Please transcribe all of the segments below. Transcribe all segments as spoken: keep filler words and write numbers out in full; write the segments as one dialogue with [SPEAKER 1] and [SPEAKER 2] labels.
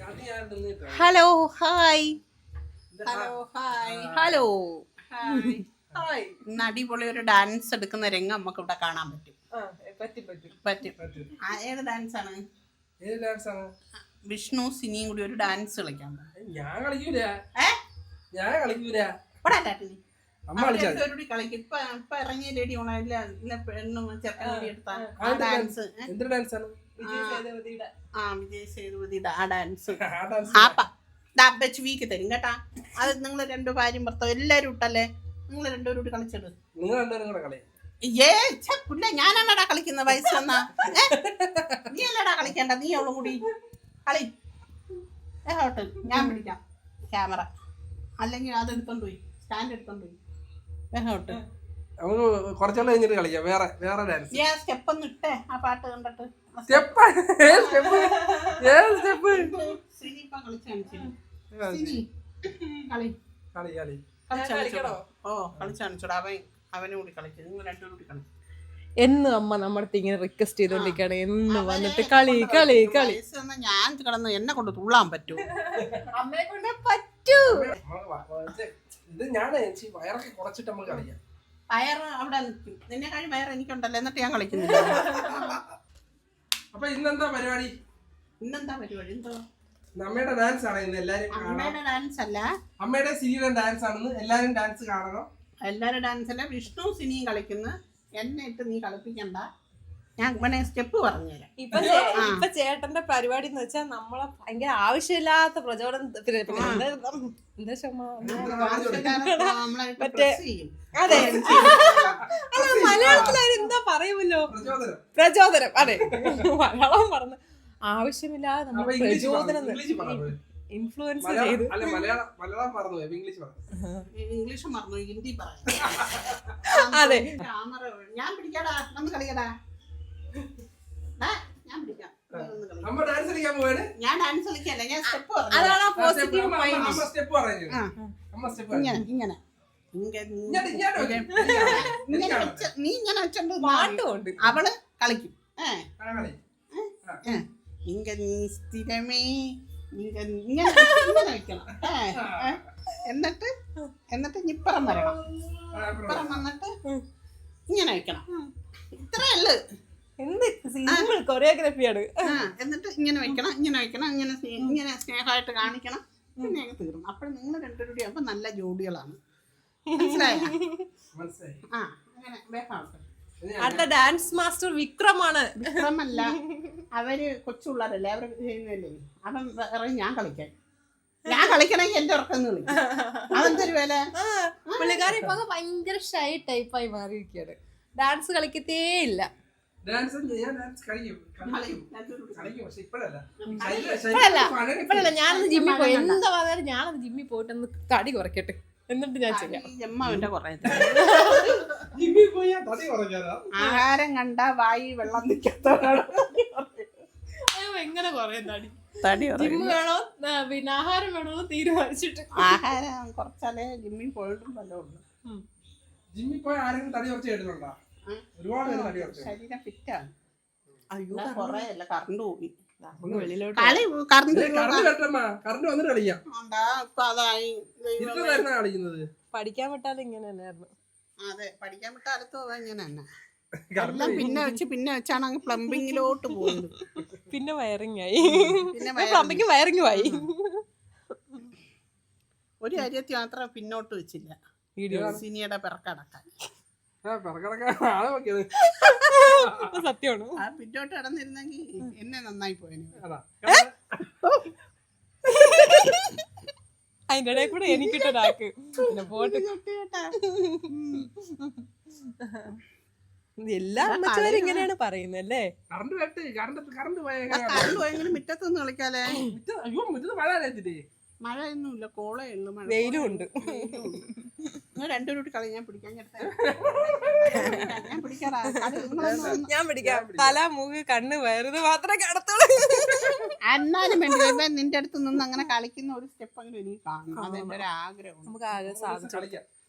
[SPEAKER 1] Hello hi
[SPEAKER 2] hello hi
[SPEAKER 1] hello
[SPEAKER 2] hi.
[SPEAKER 1] ഇന്ന് അടിപൊളി ഒരു ഡാൻസ് എടുക്കുന്ന രംഗം നമുക്ക് ഇവിടെ കാണാൻ പറ്റും.
[SPEAKER 2] പറ്റും പറ്റും
[SPEAKER 1] പറ്റും. ആ, ഏത് ഡാൻസ് ആണ്?
[SPEAKER 3] ഏത് ഡാൻസ് ആണ്?
[SPEAKER 1] വിഷ്ണു സിനിയും കൂടി ഒരു ഡാൻസ് കളിക്കാൻ
[SPEAKER 3] ഞാൻ കളിക്കൂല. ഞാൻ കളിക്കൂല. അമ്മ കളിച്ചാ
[SPEAKER 1] കളിക്കും. ഇപ്പൊ ഇപ്പൊ ഇറങ്ങിയ ലേഡി പെണ്ണും ചെറുക്കൻ എടുത്ത ഡാൻസ്.
[SPEAKER 3] എന്ത് ഡാൻസ് ആണ്?
[SPEAKER 2] വിജയ് സേതുപതിയുടെ
[SPEAKER 1] ആ വിജയ് സേതുപതിയുടെ ആ ഡാൻസ്
[SPEAKER 3] ആ ഡാൻസ്
[SPEAKER 1] ആ വെച്ച് വീക്ക് തരും കേട്ടാ. അത് നിങ്ങൾ രണ്ടു ഭാര്യയും ഭർത്താവും എല്ലാരും ഇട്ടല്ലേ, നിങ്ങൾ രണ്ടുപേരും കൂടി കളിച്ചിട്ട്.
[SPEAKER 3] നിങ്ങൾ രണ്ടുപേരും കൂടെ കളി.
[SPEAKER 1] ഏ പുല്ല ഞാനാണടാ കളിക്കുന്ന വയസ്സ് വന്നാ. നീ അല്ലടാ കളിക്കണ്ട, നീ അവളും കൂടി കളി. ഏഹോട്ട് ഞാൻ പിടിക്കാം ക്യാമറ, അല്ലെങ്കിൽ അത് എടുത്തോണ്ട് പോയി സ്റ്റാൻഡ് എടുത്തോണ്ട് പോയി. ഏഹോട്ട്
[SPEAKER 3] നമുക്ക് കുറച്ചാൾ കഴിഞ്ഞിട്ട് കളിക്കാം. വേറെ വേറെ ഡാൻസ്.
[SPEAKER 1] നീ ആ സ്റ്റെപ്പ് ഒന്ന് ഇട്ടേ, ആ പാട്ട് കണ്ടിട്ട്.
[SPEAKER 3] സ്റ്റെപ്പ് ഏത് സ്റ്റെപ്പ്? ഏത് സ്റ്റെപ്പ്?
[SPEAKER 1] സിനി ഇപ്പൊ കളിച്ച് കാണിച്ചില്ലേ? സിനി കളി
[SPEAKER 3] കളി കളി
[SPEAKER 1] കളിച്ച് കാണിച്ചോടാ. ഓ കളിച്ച് കാണിച്ചോടാ. അവൻ അവനും കൂടി കളിച്ചു, നിങ്ങൾ രണ്ടുപേരും കൂടി കളിച്ചു.
[SPEAKER 2] എന്ന് അമ്മ നമ്മുടെ ഇങ്ങനെ റിക്വസ്റ്റ് ചെയ്തോണ്ടിരിക്കാണ് എന്ന് വന്നിട്ട് കളി കളി കളി.
[SPEAKER 1] ഞാൻ കിടന്ന് എന്നെ കൊണ്ട് തുള്ളാൻ പറ്റൂ?
[SPEAKER 2] അമ്മയെ കൊണ്ട് പറ്റൂ.
[SPEAKER 3] ഇത് ഞാൻ വയറൊക്കെ കുറച്ചിട്ട് നമുക്ക് കളിക്കാം.
[SPEAKER 1] വയറ് അവിടെ നിൽക്കും, നിന്നെ കഴിഞ്ഞ് വയറ് എനിക്കുണ്ടല്ലോ, എന്നിട്ട് ഞാൻ കളിക്കുന്നില്ല.
[SPEAKER 3] അപ്പൊ ഇന്നെന്താ പരിപാടി?
[SPEAKER 1] ഇന്നെന്താ പരിപാടി? എന്തോ
[SPEAKER 3] അമ്മയുടെ ഡാൻസ് ആണ് ഇന്ന്. എല്ലാരും
[SPEAKER 1] അമ്മയുടെ ഡാൻസ് അല്ല,
[SPEAKER 3] അമ്മയുടെ സിനിയുടെ ഡാൻസ് ആണെന്ന്. എല്ലാരും ഡാൻസ് കാണണം.
[SPEAKER 1] എല്ലാവരും ഡാൻസ് അല്ല, വിഷ്ണു സിനിയും കളിക്കുന്നു. എന്നെ ഇട്ട് നീ കളിപ്പിക്കണ്ട, ഞാൻ വേണേ സ്റ്റെപ്പ് പറഞ്ഞുതരാം.
[SPEAKER 2] ഇപ്പൊ ഇപ്പൊ ചേട്ടന്റെ പരിപാടി എന്ന് വെച്ചാൽ നമ്മളെ ഭയങ്കര ആവശ്യമില്ലാത്ത പ്രചോദനം.
[SPEAKER 1] മറ്റേ
[SPEAKER 2] അതെ, അല്ല മലയാളത്തിൽ എന്താ പറയുമല്ലോ, പ്രചോദനം. അതെ, മലയാളം പറഞ്ഞു ആവശ്യമില്ലാതെ നമ്മൾ പ്രചോദനം ഇൻഫ്ലുവൻസ് ചെയ്ത്.
[SPEAKER 1] ഇംഗ്ലീഷ് മറന്നു, ഹിന്ദി പറയാം.
[SPEAKER 2] അതെ,
[SPEAKER 1] ഞാൻ പിടിക്കാടാ, നമ്മൾ കളിക്കടാ. ഞാൻ പിടിക്കാം. ഞാൻ ഡാൻസ് കളിക്കല്ല, ഞാൻ സ്റ്റെപ്പ് പറഞ്ഞു.
[SPEAKER 2] അതാണ് ആ പോസിറ്റീവ് മൈൻഡ്.
[SPEAKER 1] ഇങ്ങനെ ഇങ്ങനെ നീ ഇങ്ങനെ വെച്ചോണ്ട്
[SPEAKER 2] പാട്ടുമുണ്ട്,
[SPEAKER 1] അവള് കളിക്കും. ഇങ്ങ നീ സ്ഥിരമേ ഇങ്ങനെ ഇങ്ങനെ വെക്കണം. എന്നിട്ട് എന്നിട്ട് ഇപ്പുറം വരണം. ഇപ്പുറം വന്നിട്ട് ഇങ്ങനെ വെക്കണം. ഇത്രയല്ല,
[SPEAKER 2] എന്ത് സിമ്പിൾ കൊറിയോഗ്രാഫിയാണ്.
[SPEAKER 1] എന്നിട്ട് ഇങ്ങനെ വെക്കണം, ഇങ്ങനെ വെക്കണം, ഇങ്ങനെ ഇങ്ങനെ സ്നേഹമായിട്ട് കാണിക്കണം. പിന്നെ അങ്ങ് തീർന്നു. അപ്പോൾ നിങ്ങൾ രണ്ടുപേരും കൂടി ആകുമ്പോൾ നല്ല ജോഡികളാണ്. മനസ്സിലായോ? ആ അങ്ങനെ വേഗം.
[SPEAKER 2] അടുത്ത ഡാൻസ് മാസ്റ്റർ വിക്രമാണ്.
[SPEAKER 1] വിക്രമല്ല, അവര് കൊച്ചുള്ളവരല്ലേ, അവർ ചെയ്യുന്നല്ലേ. അവൻ പറയും ഞാൻ കളിക്കാൻ, ഞാൻ കളിക്കണമെങ്കിൽ എന്റെ ഉറക്കം കളിക്കും. അതെന്തൊരു വില.
[SPEAKER 2] പുള്ളിക്കാരി ഇപ്പൊ ഭയങ്കര ഷൈ ടൈപ്പായി മാറിയിരിക്കുകയാണ്. ഡാൻസ് കളിക്കത്തേ ഇല്ല. ഇപ്പഴല്ല, ഞാനൊന്ന് ജിമ്മിൽ പോയി. എന്താ പറഞ്ഞാലും ഞാനത് ജിമ്മിൽ പോയിട്ടൊന്ന് തടി കുറയ്ക്കട്ടെ, എന്നിട്ട് ഞാൻ ചെയ്യാം.
[SPEAKER 1] ആഹാരം കണ്ട വായി വെള്ളം നിൽക്കാത്തവരാണ്.
[SPEAKER 2] എങ്ങനെ കുറയും തടി?
[SPEAKER 1] തടി
[SPEAKER 2] ജിമ്മ് വേണോ പിന്നെ ആഹാരം വേണോ തീരുമാനിച്ചിട്ട്.
[SPEAKER 1] ആഹാരം കുറച്ചാലേ ജിമ്മിൽ പോയിട്ടും വല്ലതുള്ളൂ.
[SPEAKER 3] ജിമ്മിൽ പോയി ആരെങ്കിലും തടി കുറച്ച് കേട്ടിട്ടുണ്ടോ? ഒരുപാട് തടി കുറച്ച്
[SPEAKER 1] ശരീരം ഫിറ്റാണ്. അയ്യോ കൊറേ അല്ല, കറണ്ട് പോയി.
[SPEAKER 2] വെളിയിലോട്ട്
[SPEAKER 1] കളി കറണ്ട്
[SPEAKER 3] കറണ്ട് വന്നിട്ട് കളിക്കാം.
[SPEAKER 1] ഇപ്പൊ അതായി
[SPEAKER 3] കളിക്കുന്നത്.
[SPEAKER 2] പഠിക്കാൻ വിട്ടാലും ഇങ്ങനെ തന്നെയായിരുന്നു.
[SPEAKER 1] അതെ, പഠിക്കാൻ വിട്ട അടുത്ത് പോവാ ഇങ്ങനെ തന്നെ. എല്ലാം പിന്നെ വെച്ച് പിന്നെ വെച്ചാണ് അങ്ങ് പ്ലംബിങ്ങിലോട്ട് പോകുന്നത്.
[SPEAKER 2] പിന്നെ വയറിംഗ് ആയി, പ്ലംബിങ് വയറിംഗും ആയി.
[SPEAKER 1] ഒരു കാര്യത്തിൽ മാത്രം പിന്നോട്ട് വെച്ചില്ല, സിനിയുടെ പിറക്കടക്കാൻ.
[SPEAKER 2] സത്യമാണ്.
[SPEAKER 1] ആ പിന്നോട്ട് കടന്നിരുന്നെങ്കിൽ എന്നെ നന്നായി പോയനെ.
[SPEAKER 2] അതിന്റെ ഇടയിൽ കൂടെ എനിക്കിട്ടൊരാക്ക് പോട്ട്. എല്ലാ അമ്മച്ചാരും ഇങ്ങനെയാണ് പറയുന്നത് അല്ലേ.
[SPEAKER 1] കറണ്ട് പോയെങ്കിലും മുറ്റത്തൊന്നും കളിക്കാലേ. മഴയൊന്നുമില്ല, കോളേ ഉള്ളു.
[SPEAKER 2] വെയിലും ഉണ്ട്.
[SPEAKER 1] രണ്ടുപേരും കൂടി കളി. ഞാൻ പിടിക്കാൻ ഞാൻ പിടിക്കാറാ.
[SPEAKER 2] ഞാൻ പിടിക്കാം. തല മൂക്ക് കണ്ണ് വയറുത് മാത്രമേ കടത്തുള്ളൂ.
[SPEAKER 1] എന്നാലും വേണ്ടി നിന്റെ അടുത്ത് നിന്ന് അങ്ങനെ കളിക്കുന്ന ഒരു സ്റ്റെപ്പ് അങ്ങനെ എനിക്ക് കാണണം. അതെന്റെ ഒരു ആഗ്രഹം.
[SPEAKER 2] നമുക്ക് ആകെ സാധിച്ചു.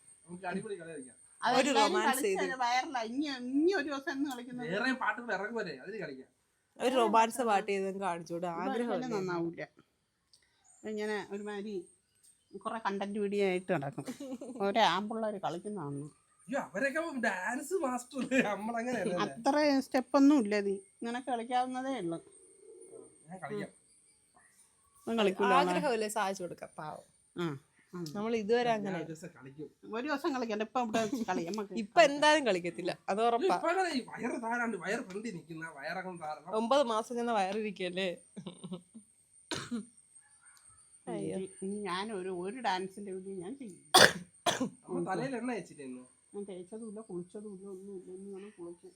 [SPEAKER 1] വയറില്ല. ഇനി ഇനി ഒരു ദിവസം എന്ന് കളിക്കുന്നത്
[SPEAKER 3] പാട്ടുകൾ ഇറങ്ങുമല്ലേ, അതിന് കളിക്കാം.
[SPEAKER 2] ഒരു റൊമാൻസ് പാട്ട് ചെയ്ത് കാണിച്ചോട്. ആഗ്രഹം
[SPEAKER 1] നന്നാവൂല. ഇങ്ങനെ ഒരുമാതിരി കുറെ കണ്ടന്റ് വീഡിയോ ആയിട്ട് നടക്കും. ഓരോ ആമ്പിള്ളേർ കളിക്കുന്നതാണ്.
[SPEAKER 3] അയ്യോ അവരൊക്കെ ഡാൻസ് മാസ്റ്റർ നമ്മളങ്ങനെ
[SPEAKER 1] അത്ര സ്റ്റെപ്പൊന്നും ഇല്ല. നീ ഇങ്ങനൊക്കെ കളിക്കാവുന്നതേ ഉള്ളു.
[SPEAKER 3] ഞാൻ കളിക്കാം.
[SPEAKER 1] കളിക്കൂല.
[SPEAKER 2] ആഗ്രഹമല്ലേ സാധിച്ചു കൊടുക്കാം പാവം. നമ്മൾ ഇതുവരെ അങ്ങനെ
[SPEAKER 3] ഒരു ദിവസം കളിക്കും.
[SPEAKER 1] ഒരു ദിവസം കളിക്കണ്ട. ഇപ്പൊ ഇവിടെ കളി നമുക്ക്
[SPEAKER 2] ഇപ്പൊ എന്തായാലും കളിക്കത്തില്ല, അത് ഉറപ്പാ.
[SPEAKER 3] ഇപ്പൊ അങ്ങനെ ഈ വയറ് താഴാണ്ട് വയറ് ഫ്രണ്ടിൽ നിൽക്കുന്ന വയറകം താരണം.
[SPEAKER 2] ഒമ്പത് മാസം ചെന്ന വയറിരിക്കല്ലേ.
[SPEAKER 1] ഇനി ഞാൻ ഒരു ഒരു ഡാൻസിന്റെ വീഡിയോ ഞാൻ ചെയ്യും.
[SPEAKER 3] അമ്മ തലയിൽ എണ്ണ വെച്ചിരുന്നു.
[SPEAKER 1] ഞാൻ തേച്ചതുമില്ല കുളിച്ചതുമില്ല ഒന്നുമില്ല. ഇനി വേണം കുളിക്കാൻ.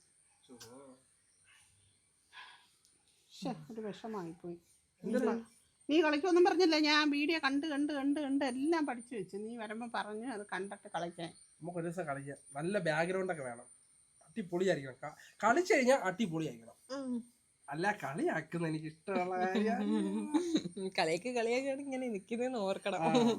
[SPEAKER 1] ഒരു വിഷമായിപ്പോയി. നീ കളിക്കൊന്നും പറഞ്ഞില്ല. ഞാൻ വീഡിയോ കണ്ട് കണ്ട് കണ്ട് കണ്ട് എല്ലാം പഠിച്ചു വെച്ചു. നീ വരുമ്പോ പറഞ്ഞു അത് കണ്ടിട്ട് കളിക്കാൻ.
[SPEAKER 3] നമുക്ക് ഒരു ദിവസം കളിക്കാം. നല്ല ബാക്ക്ഗ്രൗണ്ട് ഒക്കെ വേണം. അടിപൊളിയായിരിക്കണം. കളിച്ചു കഴിഞ്ഞാൽ അടിപൊളിയായിരിക്കണം. അല്ല കളിയാക്കുന്ന എനിക്ക് ഇഷ്ടമുള്ള
[SPEAKER 2] കളിയൊക്കെ കളിയൊക്കെയാണ് ഇങ്ങനെ നിക്കുന്നതെന്ന് ഓർക്കണം.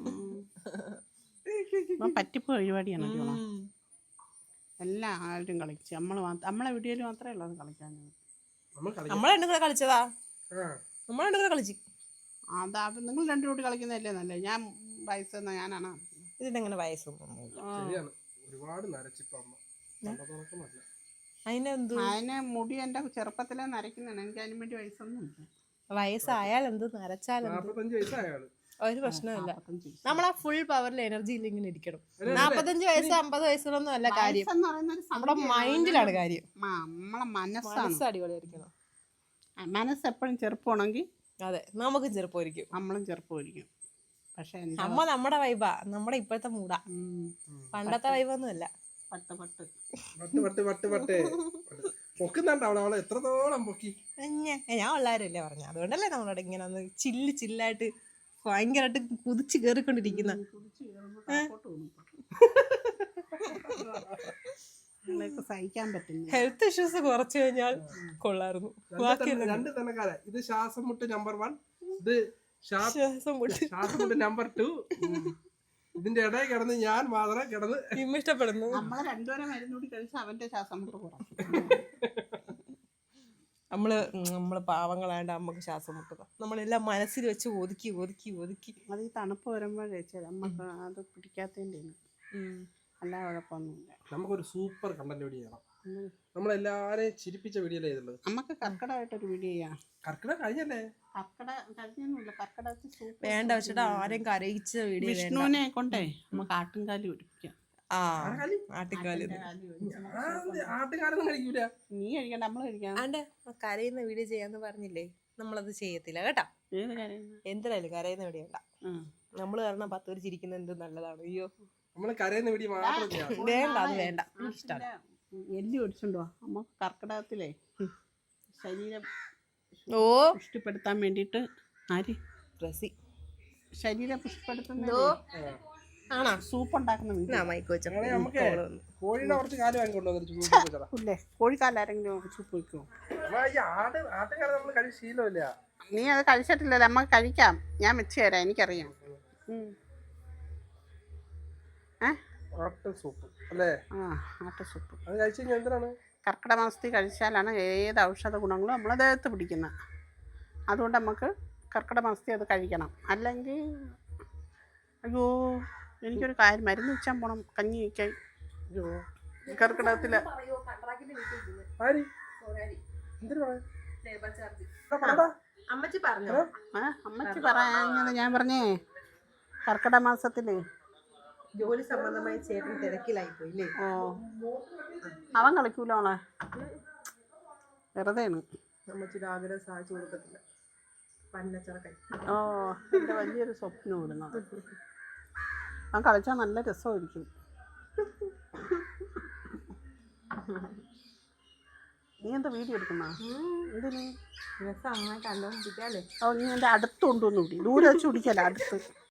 [SPEAKER 1] പറ്റിപ്പോ പരിപാടിയാണ്. എല്ലാ ആരും കളിച്ച് നമ്മള് നമ്മളെ വീഡിയോയിൽ മാത്രമേ ഉള്ളൂ അത് കളിക്കാൻ.
[SPEAKER 2] നമ്മളെ രണ്ടും കൂടെ കളിച്ചതാ. നമ്മളെ രണ്ടും കൂടെ കളിച്ചു.
[SPEAKER 1] അതാ നിങ്ങൾ രണ്ടു കൂടി കളിക്കുന്നതല്ലേ നല്ലേ. ഞാൻ വയസ്സ് ഞാനാണ്.
[SPEAKER 2] ഇതിനെങ്ങനെ വയസ്സൊന്നും
[SPEAKER 3] ഒരുപാട് നരച്ചിപ്പോ അമ്മ.
[SPEAKER 2] അതിനെന്തു
[SPEAKER 1] അതിനെ മുടി എന്റെ ചെറുപ്പത്തിലെ നരയ്ക്കുന്നതാണ്. എനിക്ക് അതിന് വേണ്ടി വയസ്സൊന്നും ഇല്ല.
[SPEAKER 2] വയസ്സായാൽ എന്ത് നരച്ചാലെന്ത് ഒരു പ്രശ്നമില്ല. നമ്മളാ ഫുൾ പവറിൽ എനർജിയിൽ ഇങ്ങനെ ഇരിക്കണം. നാപ്പത്തഞ്ച് വയസ്സ് അമ്പത് വയസ്സിലൊന്നും അല്ല കാര്യം. നമ്മുടെ മൈൻഡിലാണ് കാര്യം.
[SPEAKER 1] നമ്മളെ മനസ്സാണ്.
[SPEAKER 2] മനസ്സ് അടിപൊളിയായിരിക്കണം.
[SPEAKER 1] മനസ്സ് എപ്പോഴും ചെറുപ്പമാണെങ്കിൽ
[SPEAKER 2] അതെ നമുക്കും ചെറുപ്പമായിരിക്കും.
[SPEAKER 1] നമ്മളും ചെറുപ്പമായിരിക്കും. പക്ഷെ
[SPEAKER 2] അമ്മ നമ്മുടെ വൈബാ, നമ്മുടെ ഇപ്പോഴത്തെ മൂടാ. പണ്ടത്തെ വൈബൊന്നും അല്ല.
[SPEAKER 1] പട്ട് പട്ട്
[SPEAKER 3] പട്ട് പട്ട് പട്ട് പട്ട് പൊക്കുന്നുണ്ടാവണം. അവളെ എത്രത്തോളം പൊക്കി.
[SPEAKER 2] ഞാൻ ഉള്ളാരല്ലേ പറഞ്ഞ, അതുകൊണ്ടല്ലേ നമ്മളോട് ഇങ്ങനെ ഒന്ന് ചില്ല് ചില്ലായിട്ട് ഭയങ്കരമായിട്ട് കുതിച്ച് കേറിക്കൊണ്ടിരിക്കുന്ന.
[SPEAKER 1] സഹിക്കാൻ പറ്റുന്നു.
[SPEAKER 2] ഹെൽത്ത് ഇഷ്യൂസ് കുറച്ചു കഴിഞ്ഞാൽ കൊള്ളായിരുന്നു.
[SPEAKER 3] രണ്ട് തന്നെക്കാരെ. ഇത് ശ്വാസം മുട്ട് നമ്പർ വൺ, ഇത്
[SPEAKER 2] ശ്വാസം മുട്ട്
[SPEAKER 3] ശ്വാസം മുട്ട് നമ്പർ ടു. ഇതിന്റെ ഇടയിൽ കിടന്ന് ഞാൻ മാത്രം കിടന്ന്
[SPEAKER 2] ഇഷ്ടപ്പെടുന്നു.
[SPEAKER 1] നമ്മളെ രണ്ടുപേരെ മരുന്ന് കൂടി കഴിച്ച് അവന്റെ ശ്വാസം മുട്ട് കുറച്ചു.
[SPEAKER 2] നമ്മള് നമ്മള് പാവങ്ങളാണ്ട് അമ്മക്ക് ശ്വാസം മുട്ടുക. നമ്മളെല്ലാം മനസ്സിൽ വെച്ച് ഒതുക്കി ഒതുക്കി ഒതുക്കി.
[SPEAKER 1] അത് ഈ തണുപ്പ് വരുമ്പോൾ കഴിച്ചാൽ നമുക്ക് അത് പിടിക്കാത്തതിൻ്റെ എല്ലാ കുഴപ്പമൊന്നുമില്ല.
[SPEAKER 3] നമുക്കൊരു സൂപ്പർ കണ്ടന്റ് വീഡിയോ ചെയ്യണം. നമ്മളെല്ലാരെയും ചിരിപ്പിച്ച വീഡിയോ അല്ലേ ഇതുള്ളത്.
[SPEAKER 1] നമുക്ക് കർക്കിടകമായിട്ടൊരു വീഡിയോ ചെയ്യാം.
[SPEAKER 3] കർക്കിടക കഴിഞ്ഞല്ലേ?
[SPEAKER 1] കർക്കിട കഴിഞ്ഞൊന്നുമില്ല. കർക്കിടകത്തിൽ
[SPEAKER 2] വേണ്ട വെച്ചിട്ട് ആരെയും കരയിച്ച വീഡിയോ
[SPEAKER 1] വിഷ്ണുവിനെ കൊണ്ടേ നമുക്ക് ആട്ടുംകാലി പിടിപ്പിക്കാം.
[SPEAKER 2] ആ ആട്ടിക്കാല്
[SPEAKER 3] ആട്ടുകാലൊന്നും കഴിക്കൂല.
[SPEAKER 1] നീ കഴിക്കണ്ട, നമ്മള് കഴിക്കാം.
[SPEAKER 2] ആണ്ട് കരയുന്ന വീഡിയോ ചെയ്യാന്ന് പറഞ്ഞില്ലേ, നമ്മളത് ചെയ്യത്തില്ല കേട്ടാ. എന്തിനായാലും കരയുന്ന വീഡിയോ വേണ്ട. നമ്മള് കാരണം പത്ത് പേര് ചിരിക്കുന്ന എന്ത് നല്ലതാണ്. അയ്യോ
[SPEAKER 3] നമ്മള് കരയുന്ന വീഡിയോ മാത്രം ചെയ്യാം.
[SPEAKER 2] വേണ്ട, അത് വേണ്ട. ഇഷ്ടമാണ്.
[SPEAKER 1] എല്ലി ഒടിച്ചുണ്ടോ നമുക്ക് കർക്കിടകത്തിലേ ശരീരം
[SPEAKER 2] ഓ
[SPEAKER 1] പുഷ്ടിപ്പെടുത്താൻ വേണ്ടിട്ട്. ആര്
[SPEAKER 2] ഡ്രസ്സി
[SPEAKER 1] ശരീരം പുഷ്ടിപ്പെടുത്തുന്ന
[SPEAKER 2] ആണോ
[SPEAKER 1] സൂപ്പ് ഉണ്ടാക്കുന്ന
[SPEAKER 3] കോഴിയുടെ കുറച്ച് കാല് വാങ്ങിക്കൊണ്ടുവന്നില്ലേ?
[SPEAKER 1] കോഴിക്കാലാരെങ്കിലും സൂപ്പ് വെക്കുമോ?
[SPEAKER 3] ആട്ടുകാരെ നമ്മള് കഴിച്ച് ശീലമില്ല.
[SPEAKER 1] നീ അത് കഴിച്ചിട്ടില്ലല്ലോ. നമുക്ക് കഴിക്കാം. ഞാൻ വെച്ച് തരാം. എനിക്കറിയാം.
[SPEAKER 3] സൂപ്പ് അല്ലേ?
[SPEAKER 1] ആ ആട്ട സൂപ്പ്
[SPEAKER 3] അത് കഴിച്ചു കഴിഞ്ഞാൽ എന്തിനാണ്?
[SPEAKER 1] കർക്കിടക മാസത്തിൽ കഴിച്ചാലാണ് ഏത് ഔഷധ ഗുണങ്ങളും നമ്മളെ ദേഹത്ത് പിടിക്കുന്നത്. അതുകൊണ്ട് നമുക്ക് കർക്കിടക മാസത്തിൽ അത് കഴിക്കണം. അല്ലെങ്കിൽ അയ്യോ എനിക്കൊരു കാര്യം മരുന്ന് വെച്ചാൽ പോണം കഞ്ഞി വയ്ക്കാൻ. അയ്യോ കർക്കിടകത്തില്
[SPEAKER 2] അമ്മച്ചി പറഞ്ഞു.
[SPEAKER 1] അമ്മച്ചി പറഞ്ഞത് ഞാൻ പറഞ്ഞേ കർക്കിടക മാസത്തില്
[SPEAKER 2] ജോലി സംബന്ധമായി ചേട്ടൻ തിരക്കിലായി പോയില്ലേ?
[SPEAKER 1] ഓ അവൻ കളിക്കൂല അവളെ വെറുതെയാണ്.
[SPEAKER 2] അമ്മച്ചിയുടെ ആഗ്രഹം സാധിച്ചു കൊടുക്കത്തില്ല. പന്നച്ചറക്കൻ.
[SPEAKER 1] ഓ എൻ്റെ വലിയൊരു സ്വപ്നം ഇടുന്നത്. അവൻ കളിച്ചാൽ നല്ല രസമായിരിക്കും. നീ എന്താ വീഡിയോ എടുക്കുന്ന? എന്തിന്
[SPEAKER 2] രസം അമ്മ കണ്ടോണ്ടിരിക്കാല്ലേ?
[SPEAKER 1] ഓ നീ എൻ്റെ അടുത്ത് കൊണ്ടുവന്ന് പിടി. ദൂരെ വെച്ച് പിടിക്കല്ല, അടുത്ത്.